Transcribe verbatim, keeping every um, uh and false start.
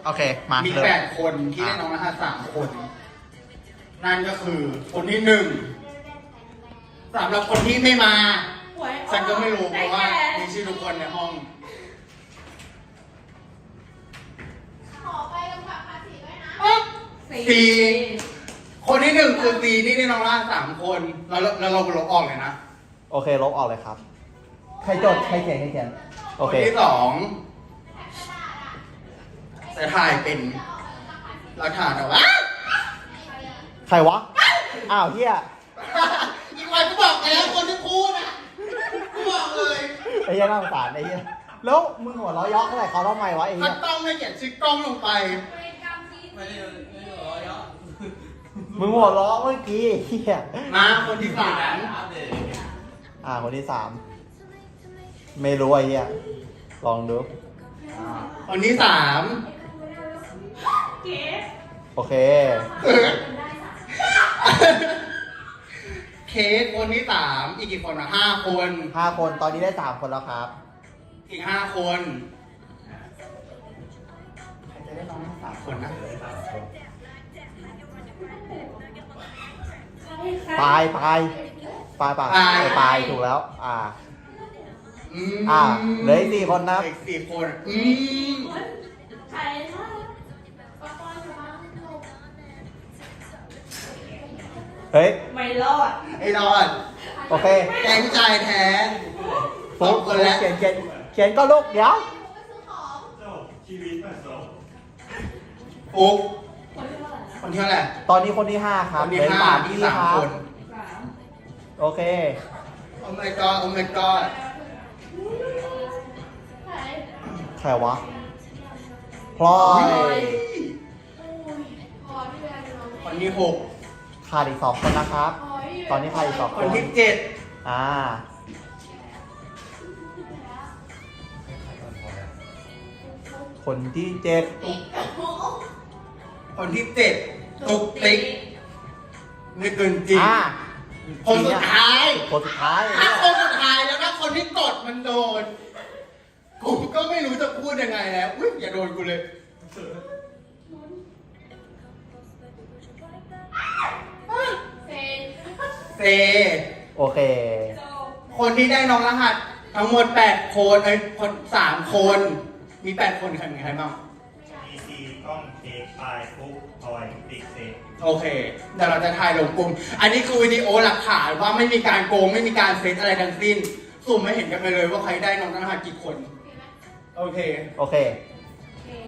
โอเคมามีเริ่แปดคนที่ได้น้องรหัสสามคน นั่นก็คือคนที่หนึ่งสำหรับคนที่ไม่มาฉันก็ไม่รู้เพราะว่ามีชื่อทุกคนในห้องขอไปกำกับภาษีด้วยนะสี่คนที่หนึ่งคือสี่ที่ได้น้องรหัสสามคนแล้วแล้วเราลบออกเลยนะโอเคลบออกเลยครับ ใครจดใครเขียนใครเขียน โอคนเคที่สองจะถ่ายเป็นหลักฐานเอาวะใครวะ อ้าวเฮียอีกวันก็บอกไปแล้วคนที่พูดอ่ะกูบอกเลยไอ้เฮียน่าสงสารไอ้เฮียแล้วมึงหัวเราะเยาะอะไรเขาทำไมวะไอ้เฮีถ้าย ต้องไม่เขียนชื่อกล้องลงไปไม่ได้ไม่ได้ร้อยเยอะมึงหัวเราะเมื่อกี้เฮียมาคนที่สามอัปเดตอ่าคนที่สามไม่รู้ไอ้เฮียลองดูคนที่สามเก๋โอเคเคสคนที่สามอีกกี่คนอะห้าคนห้าคนตอนนี้ได้สามคนแล้วครับอีกห้าคนใครจะได้น้องสามคนนะปลายปลายปลายปลายเออปลายถูกแล้ว อ่าอืมอ่าเหลืออีกสี่คนนะอีกสี่คนอืมใครนะปะปอนจะมาเฮ้ยไม่รอดไอ้รอดโอเคแกงใจแท้สฟุ๊อก งคนแล้วเขียนเขียนเขียนก็ลูกเดี๋ยวฟุ๊กคนที่เท่าไหร่นะคนที่เท่าไหร่ตอนนี้คนที่ห้าคครับนที่เหลือห้าสามที่ที่สามครับคนสามโอเคโอ้ my god โอ้ my god ใครใครวะพลอยโอ้ยพอที่เวลาจะลงคนที่หกขาดอีกสองคนนะครับพอที่ตอนนี้ใครอีกสองคนที่เจ็ดอ่า คนที่เจ็ดติ๊กคนที่เจ็ดตุกติ๊กไม่เกินจริงอ่าคนสุดท้ายคนสุดท้ายถ้าคนสุดท้ายแล้วถ้าคนที่กดมันโดน กูก็ไม่รู้จะพูดยังไงแล้วอุ้ยอย่าโดนกูเลยเซนเซโอเคโจคนที่ได้น้องรหัสทั้งหมดแปดคนเอ้ยคนสามคน มีแปดคนใครมีใครบ้างมีซีกล้องเค้กปลายฟุกพลอยติ๊กเซกโอเคเดี๋ยวเราจะถ่ายลงกลุ่ม อันนี้คือวิดีโอหลักฐานว่าไม่มีการโกงไม่มีการเซตอะไรทั้งสิ้นสุ่มไม่เห็นกันไปเลยว่าใครได้น้องรหัสกี่คน โอเคโอเคโ